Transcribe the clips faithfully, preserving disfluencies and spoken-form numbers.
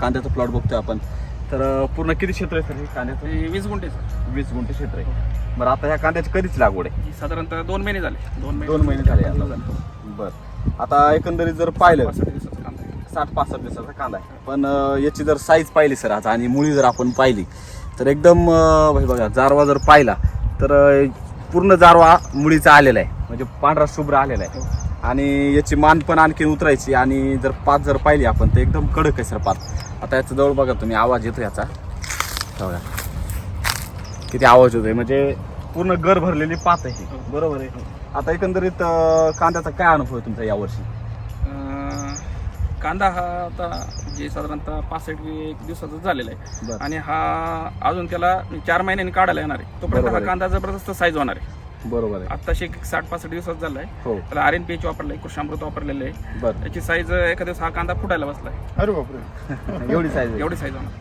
कांद्याचा प्लॉट बघतोय आपण. तर पूर्ण किती क्षेत्र आहे सर हे कांद्याचं? हे वीस गुंठे सर. वीस गुंठे क्षेत्र आहे. बरं, आता ह्या कांद्याची कधीच लागवड आहे? ही साधारणतः दोन महिने झाले. दोन महिने दोन महिने झाले आता. बरं, आता एकंदरीत जर पाहिलं पासष्ट दिवसाचा कांदा आहे. साठ पासष्ट दिवसाचा कांदा आहे. पण अं, याची जर साईज पाहिली सर आज आणि मुळी जर आपण पाहिली तर एकदम अं, हे बघा, जारवा जर पाहिला तर अं, पूर्ण जारवा मुळीचा आलेला आहे, म्हणजे पांढरा शुभ्र आलेला आहे. आणि याची मान पण आणखी उतरायची. आणि जर पात जर पाहिली आपण तर एकदम कडक आहे सर पात. आता याचा जवळ बघा तुम्ही, आवाज येतो याचा बघा किती आवाज होतोय, म्हणजे पूर्ण गर भरलेली पात आहे. बरोबर आहे. आता एकंदरीत अं, कांद्याचा काय अनुभव आहे तुमचा यावर्षी? अं, कांदा हा आता जे साधारणतः पासष्ट एक दिवसाचा झालेला आहे. बरं. आणि हा अजून त्याला चार महिन्यांनी काढायला येणार आहे. तोपर्यंत बरोबर हा आहे. कांदा जबरदस्त साईज होणार आहे. बरोबर आहे. आत्ताशी एक साठ पासष्ट दिवसात झाला आहे. हो. त्याला आर एन पी एच वापरलं आहे, कृषामृत वापरलेलं आहे. बरं. त्याची साईज एखाद्या दिवस हा कांदा फुटायला बसला आहे. अरे बापरे. एवढी साईज एवढी साईज होणार.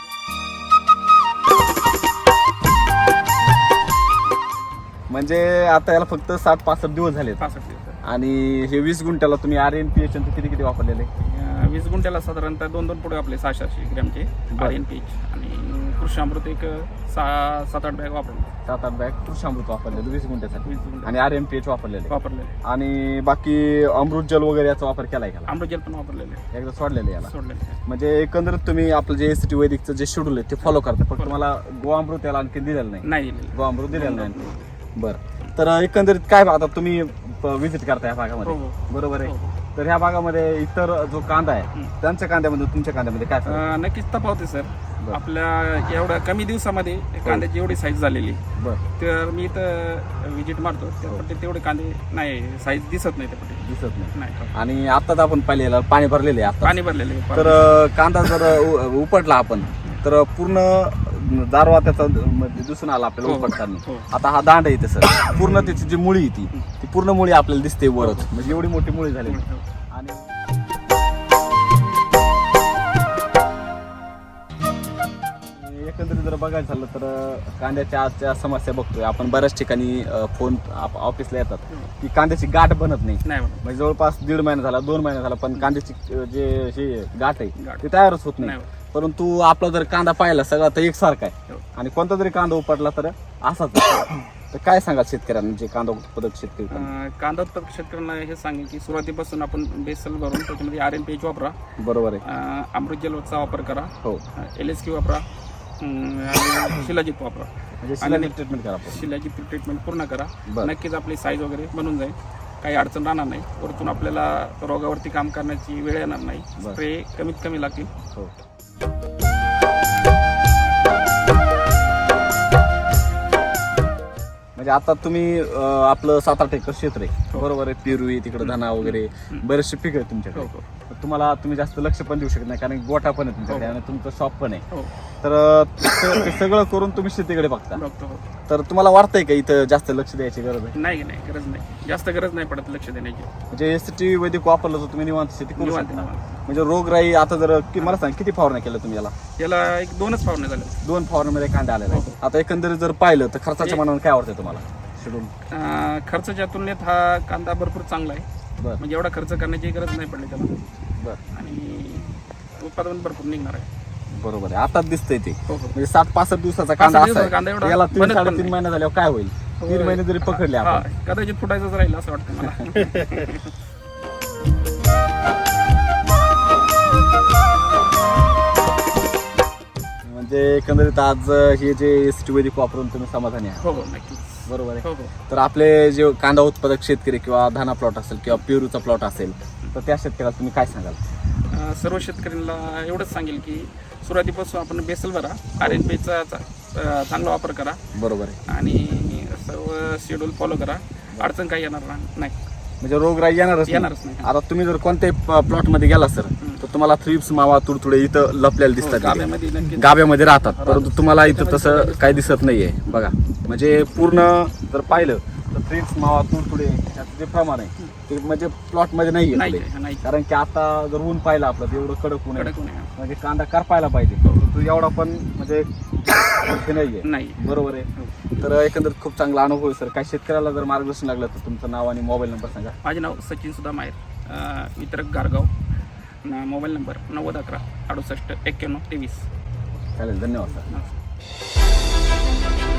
म्हणजे आता याला फक्त साठ पासष्ट दिवस झाले. पासष्ट दिवस आणि हे वीस गुंठ्याला तुम्ही आर एन पी एच किती किती वापरलेले? अं, वीस गुंठ्याला साधारणतः दोन दोन पुढे आपले सहाशे सहाशे ग्रॅमचे आर एन पी एच आणि कृषामृत एक सहा सात आठ बॅग वापरले. सात आठ बॅग कृषामृत वापरलेलं वीस गुंठ्यासाठी. वीस गुंठे आणि आर एम पी एच वापरलेले. वापरलेले. आणि बाकी अमृत जल वगैरे याचा वापर केलाय का? अमृतजल पण वापरलेले. एकदा सोडलेले याला. सोडलेले. म्हणजे एकंदरीत तुम्ही आपलं जे एस टी वैदिकचं जे शेड्यूल आहे ते फॉलो करता, फक्त तुम्हाला गोअमृत याला आणखी दिलेलं नाही. नाही दिलेले. गोअमृत दिलेलं नाही. बरं, तर एकंदरीत काय आता तुम्ही व्हिजिट करता या भागामध्ये, हो, हो. बरोबर आहे. हो. तर ह्या भागामध्ये इतर जो कांदा आहे हं. त्यांच्या कांद्यामध्ये तुमच्या कांद्यामध्ये काय फरक आहे? अं, नक्कीच तफावत आहे सर. बरं. आपल्या एवढ्या कमी दिवसामध्ये कांद्याची एवढी साईज झालेली. बरं, तर मी इथं विजिट मारतो त्यापट्टी तेवढे कांदे नाही, साईज दिसत नाही त्यापट्टी. दिसत नाही. नाही. आणि आताच आपण पाहिलेलं पाणी भरलेले आहे आता. पाणी भरलेले. तर अं, कांदा जर उ- उपटला आपण तर पूर्ण दारवा त्याचा म्हणजे दिसून आला आपल्याला हो, उपटताना. हो. आता हा दांड आहे तसं पूर्ण त्याची जी मुळी आहे ती ती पूर्ण मुळी आपल्याला दिसते वरच, म्हणजे एवढी मोठी मुळी झाली. आणि एकंदरीत जर बघायचं झालं तर कांद्याच्या आजच्या समस्या बघतोय आपण बऱ्याच ठिकाणी फोन ऑफिसला येतात की कांद्याची गाठ बनत नाही. नाही म्हणून. म्हणजे जवळपास दीड महिना झाला, दोन महिना झाला, पण कांद्याची अं, जे हे गाठ आहे गाठ. ते तयारच होत नाही. नाही. परंतु आपला जर कांदा पाहिला सगळा तर एकसारखा आहे. हो. आणि कोणता जरी कांदा उपटला तर असाच आहे. तर काय सांगाल शेतकऱ्यांना, जे कांदा उत्पादक शेतकरी आहेत? अं, कांदा उत्पादक शेतकऱ्यांना हे सांगेल की सुरुवातीपासून आपण बेसल भरून त्याच्यामध्ये आर एन पी एच वापरा, बरोबर आहे. अं, अमृतजलचा वापर करा, हो, एल एस क्यू वापरा, अं, आणि शिलाजीत वापरा. म्हणजे शिलाजीत ट्रीटमेंट करा आपण. शिलाजीत ट्रीटमेंट पूर्ण करा. बरं. नक्कीच आपली साईज वगैरे बनून जाईल, काही अडचण राहणार नाही. वरतून आपल्याला रोगावरती काम करण्याची वेळ येणार नाही. बरं. स्प्रे कमीत कमी लागतील. हो. म्हणजे आता तुम्ही अं, आपलं सात आठ एकर क्षेत्र आहे, हो. बरोबर आहे. पेरू आहे तिकडे, धना वगैरे बरेचसे पीक आहे तुमच्याकडे. हो, हो. तर तुम्हाला तुम्ही जास्त लक्ष पण देऊ शकत नाही कारण गोठा पण आहे तुमच्याकडे हो. आणि तुमचं शॉप पण आहे. हो. तर अं, ते ते सगळं करून तुम्ही शेतीकडे बघता. बघतो. हो. तर तुम्हाला वाटतंय का इथं जास्त लक्ष द्यायची गरज आहे? नाही नाही, गरज नाही, जास्त गरज नाही पडत लक्ष देण्याची. म्हणजे एस टी वैदिक वापरलं तर तुम्ही निवांत शेती करू निवांत, शकता. निवांत. म्हणजे रोगराई आता जर कि- मला सांग किती फवारण्या केल्या तुम्ही याला? याला एक दोनच फावणे झाले. दोन फवारण्यामध्ये कांदा आलेला आहे. हो. आता एकंदरीत जर पाहिलं तर खर्चाच्या एक- मनाने काय आवडतंय तुम्हाला शेड्यूल? अं, खर्चाच्या तुलनेत हा कांदा भरपूर चांगला आहे. बरं, म्हणजे एवढा खर्च करण्याची गरज नाही पडली त्याला. बरं, आणि उत्पादन भरपूर निघणार आहे. बरोबर आहे. आताच दिसतंय ते. हो हो. म्हणजे सात पासष्ट दिवसाचा कांदा पासष्ट असा दिवसाचा कांदा आहे एवढा याला तीन बनत पण साडेतीन नाही. महिने झाल्यावर काय होईल? तीन महिने जरी पकडले हा, आपण कदाचित फुटायचंच राहील असं वाटतं मला. म्हणजे एकंदरीत आज हे जे एस टी वैदिक वापरून तुम्ही समाधानी आहे, हो हो, नक्कीच. बरोबर आहे. हो हो. तर आपले जे कांदा उत्पादक शेतकरी किंवा धाना प्लॉट असेल किंवा पेरूचा प्लॉट असेल तर त्या शेतकऱ्याला तुम्ही काय सांगाल? अं, सर्व शेतकऱ्यांना एवढंच सांगेल की सुरुवातीपासून आपण बेसल भरा, आर एन पीचा चांगला वापर करा बरोबर आहे. आणि सर्व शेड्यूल फॉलो करा. अडचण काही येणार नाही. म्हणजे रोगराई येणारच नाही. येणारच नाही. आता तुम्ही जर कोणत्याही प्लॉट मध्ये गेला सर तर तुम्हाला थ्रिप्स, मावा, तुडतुडे इथं लपलेले हो, दिसतात. गाभ्यामध्ये नक्कीच. गाभ्यामध्ये राहतात, परंतु तुम्हाला इथं तसं काही दिसत नाहीये. बघा, म्हणजे पूर्ण जर पाहिलं तर थ्रिप्स, मावा, तुडतुडे याचं जे प्रमाण आहे ते म्हणजे प्लॉट मध्ये नाहीये नाही पुढे. नाही, कारण की आता जर ऊन पाहिलं आपलं तर एवढं कडक ऊन आहे, कडक ऊन आहे. म्हणजे कांदा करपायला पाहिजे, परंतु एवढा पण म्हणजे हे नाहीये. नाही. बरोबर आहे. तर एकंदरीत खूप चांगला अनुभव आहे सर. काही शेतकऱ्याला जर मार्गदर्शन लागलं तर तुमचं नाव आणि मोबाईल नंबर सांगा. माझे नाव सचिन सुद्धा माहेर, वितरक गारगाव. मोबाईल नंबर नव्वद अकरा अडुसष्ट एक्क्याण्णव तेवीस. चालेल, धन्यवाद सर. नमस्कार.